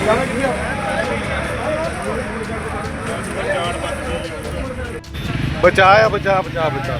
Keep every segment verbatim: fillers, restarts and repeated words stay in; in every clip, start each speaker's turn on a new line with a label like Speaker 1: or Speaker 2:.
Speaker 1: बचाया बचा बचा बचा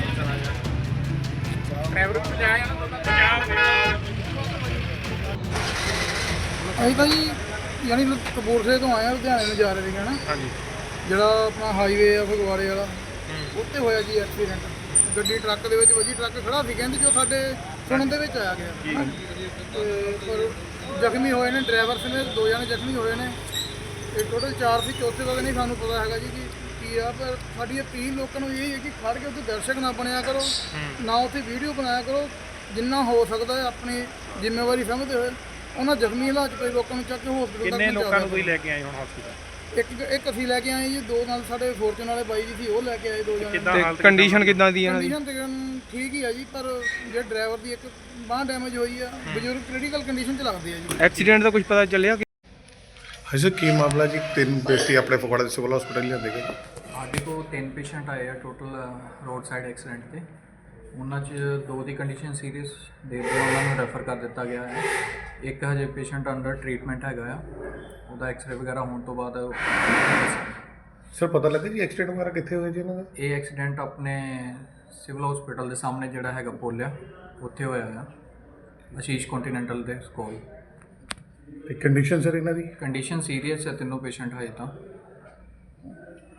Speaker 2: ਅਸੀਂ ਤਾਂ ਜੀ ਯਾਨੀ ਕਪੂਰਥਲੇ ਤੋਂ ਆਏ ਆ, ਲੁਧਿਆਣੇ ਨੂੰ ਜਾ ਰਹੇ ਸੀਗੇ ਨਾ।
Speaker 1: ਹਾਂਜੀ।
Speaker 2: ਜਿਹੜਾ ਆਪਣਾ ਹਾਈਵੇ ਆ ਫਗਵਾੜੇ ਵਾਲਾ, ਉੱਥੇ ਹੋਇਆ ਜੀ ਐਕਸੀਡੈਂਟ। ਗੱਡੀ ਟਰੱਕ ਦੇ ਵਿੱਚ ਵੱਜੀ, ਟਰੱਕ ਖੜਾ ਸੀ ਕਹਿੰਦੇ ਜੋ ਸਾਡੇ ਸੁਣਨ ਦੇ ਵਿੱਚ ਆਇਆ ਗਿਆ। ਤੇ ਪਰ ਜ਼ਖਮੀ ਹੋਏ ਨੇ ਡਰਾਈਵਰ ਸਮੇਤ ਦੋ ਜਣੇ ਜ਼ਖਮੀ ਹੋਏ ਨੇ। ਇਹ ਟੋਟਲ ਚਾਰ ਸੀ, ਚੌਥੇ ਦਾ ਨਹੀਂ ਸਾਨੂੰ ਪਤਾ ਹੈਗਾ ਜੀ ਕਿ ਕੀ ਆ। ਪਰ ਸਾਡੀ ਅਪੀਲ ਲੋਕਾਂ ਨੂੰ ਇਹ ਹੈ ਕਿ ਖੜ ਕੇ ਉੱਥੇ ਦਰਸ਼ਕ ਨਾ ਬਣਿਆ ਕਰੋ, ਨਾ ਉੱਥੇ ਵੀਡੀਓ ਬਣਾਇਆ ਕਰੋ। ਜਿੰਨਾ ਹੋ ਸਕਦਾ ਹੈ ਆਪਣੀ ਜ਼ਿੰਮੇਵਾਰੀ ਸਮਝਦੇ ਹੋਏ ਉਹਨਾਂ ਜ਼ਖਮੀ ਹਾਲਾਤ 'ਚ ਪਏ ਲੋਕਾਂ ਨੂੰ ਚੱਕ ਕੇ ਹਸਪੀਟਲ ਤੱਕ
Speaker 1: ਕਿੰਨੇ ਲੋਕਾਂ ਨੂੰ ਤੁਸੀਂ ਲੈ ਕੇ ਆਏ ਹੁਣ ਹਸਪੀਟਲ?
Speaker 2: ਇੱਕ ਇੱਕ ਅਸੀਂ ਲੈ ਕੇ ਆਏ ਜੀ, ਦੋ ਨਾਲ ਸਾਡੇ ਫੋਰਚੂਨ ਵਾਲੇ ਬਾਈ ਜੀ ਸੀ ਉਹ ਲੈ ਕੇ ਆਏ ਦੋ ਜਣੇ।
Speaker 1: ਕਿੱਦਾਂ ਹਾਲਤ, ਕੰਡੀਸ਼ਨ ਕਿੱਦਾਂ ਦੀ ਇਹਨਾਂ ਦੀ?
Speaker 2: ਕੰਡੀਸ਼ਨ ਤਕਰੀਬਨ ਠੀਕ ਹੀ ਆ ਜੀ, ਪਰ ਜਿਹੜਾ ਡਰਾਈਵਰ ਦੀ ਇੱਕ ਬਾਂਹ ਡੈਮੇਜ ਹੋਈ ਆ, ਬਜ਼ੁਰਗ ਕ੍ਰਿਟੀਕਲ ਕੰਡੀਸ਼ਨ 'ਚ ਲੱਗਦੇ ਆ ਜੀ।
Speaker 1: ਐਕਸੀਡੈਂਟ ਦਾ ਕੁਝ ਪਤਾ ਚੱਲਿਆ?
Speaker 3: ਹਾਂਜੀ ਕੀ ਮਾਮਲਾ ਜੀ? ਤਿੰਨ ਵਿਅਕਤੀ ਆਪਣੇ ਫਗਵਾੜਾ ਦੇ ਸਿਵਲ ਹਸਪੀਟਲ ਲਿਆਂਦੇ ਗਏ।
Speaker 4: ਸਾਡੇ ਕੋਲ ਤਿੰਨ ਪੇਸ਼ੈਂਟ ਆਏ ਆ ਟੋਟਲ ਰੋਡ ਸਾਈਡ ਐਕਸੀਡੈਂਟ 'ਤੇ। ਉਹਨਾਂ 'ਚ ਦੋ ਦੀ ਕੰਡੀਸ਼ਨ ਸੀਰੀਅਸ ਦੇ ਕੇ ਉਹਨਾਂ ਨੂੰ ਰੈਫਰ ਕਰ ਦਿੱਤਾ ਗਿਆ ਹੈ। ਇੱਕ ਹਜੇ ਪੇਸ਼ੈਂਟ ਅੰਡਰ ਟਰੀਟਮੈਂਟ ਹੈਗਾ ਆ, ਉਹਦਾ ਐਕਸਰੇ ਵਗੈਰਾ ਹੋਣ ਤੋਂ ਬਾਅਦ।
Speaker 3: ਸਰ ਪਤਾ ਲੱਗਾ ਜੀ ਐਕਸੀਡੈਂਟ ਵਗੈਰਾ ਕਿੱਥੇ ਹੋਇਆ ਜੀ ਇਹਨਾਂ ਦਾ?
Speaker 4: ਇਹ ਐਕਸੀਡੈਂਟ ਆਪਣੇ ਸਿਵਲ ਹਸਪੀਟਲ ਦੇ ਸਾਹਮਣੇ ਜਿਹੜਾ ਹੈਗਾ ਪੁੱਲ ਆ, ਉੱਥੇ ਹੋਇਆ ਆ, ਆਸ਼ੀਸ਼ ਕੰਟੀਨੈਂਟਲ ਦੇ ਕੋਲ।
Speaker 3: ਤੇ ਕੰਡੀਸ਼ਨ ਸਰ ਇਹਨਾਂ ਦੀ?
Speaker 4: ਕੰਡੀਸ਼ਨ ਸੀਰੀਅਸ ਹੈ ਤਿੰਨੋਂ ਪੇਸ਼ੈਂਟ ਹਜੇ ਤਾਂ।